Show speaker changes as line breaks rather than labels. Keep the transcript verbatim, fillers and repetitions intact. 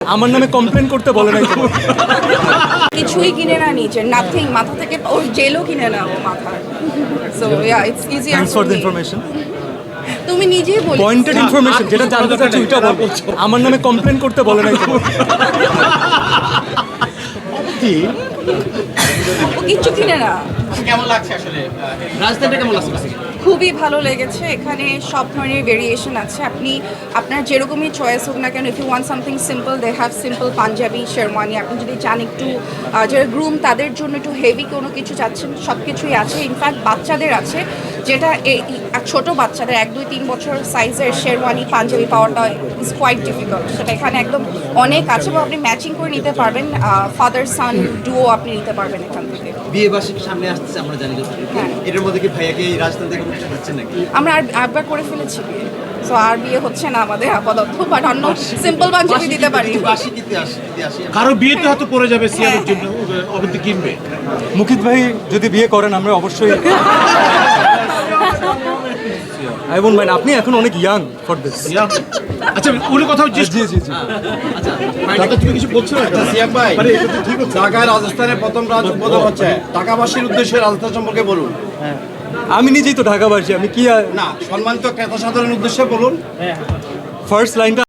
আমার নামে কমপ্লেন করতে বলে নাই তো।
কিছুই কিনে না নিজের নাথিং মাথা থেকে ওর জেলও কিনে না ও মাথা so yeah it's easier
thanks for the information.
তুমি নিজেই বলি
পয়েন্টেড ইনফরমেশন যেটা জানতে চাচ্ছি ওইটা বলবো। আমার নামে কমপ্লেন করতে বলে নাই তো।
ও কিচ্ছু কিনে না
কেমন লাগছে আসলে রাজধানীটা কেমন লাগছে?
খুবই ভালো লেগেছে এখানে সব ধরনের ভেরিয়েশন আছে আপনি আপনার যেরকমই চয়েস হোক না কেন if you want something simple they have simple Punjabi sherwani আপনি যদি চান একটু আহ, যারা গ্রুম তাদের জন্য একটু হেভি কোনো কিছু চাচ্ছেন সব কিছুই আছে ইনফ্যাক্ট বাচ্চাদের আছে যেটা এই এক ছোট বাচ্চাদের এক দুই তিন বছর সাইজের শেরওয়ানি পাঞ্জাবি পাওয়াটা ইজ কোয়াইট ডিফিকাল্ট সেটা এখানে একদম অনেক আছে এবং আপনি ম্যাচিং করে নিতে পারবেন ফাদার সান ডুও আপনি নিতে পারবেন এখান থেকে
বিয়ে বার্ষিক সামনে আসছে আমরা জানি যত
হ্যাঁ।
এটার মধ্যে কি ভাইয়াকে এই রাজধানী থেকে উঠতে পারছেন নাকি?
আমরা আর একবার করে ফেলেছি বিয়ে সো আর বিয়ে হচ্ছে না আমাদের আপাতত বাট অন্য সিম্পল পাঞ্জাবি দিতে পারি
বার্ষিকীতে আসি আসি
কারো বিয়েতে হয়তো পড়ে যাবে সিয়ামের জন্য অবধি কিনবে।
মুকিত ভাই যদি বিয়ে করেন আমরা অবশ্যই আই ওন্ট মাইন্ড। আপনি এখন অনেক ইয়াং ফর দিস।
আচ্ছা উনি কথাও
জি জি জি
দাদা তুমি কিছু বলছো না?
সিয়াম ভাই,
মানে এটা তো ঠিক হচ্ছে।
ঢাকায় রাজস্থানের প্রথম রাজ উদ্বোধন হচ্ছে, ঢাকাবাসীর উদ্দেশ্যে রাজস্থান সম্পর্কে বলুন।
আমি নিজেই তো ঢাকাবাসী, আমি কি
না, সম্মানিত ক্রেতা সাধারণের উদ্দেশ্যে বলুন।
ফার্স্ট লাইনটা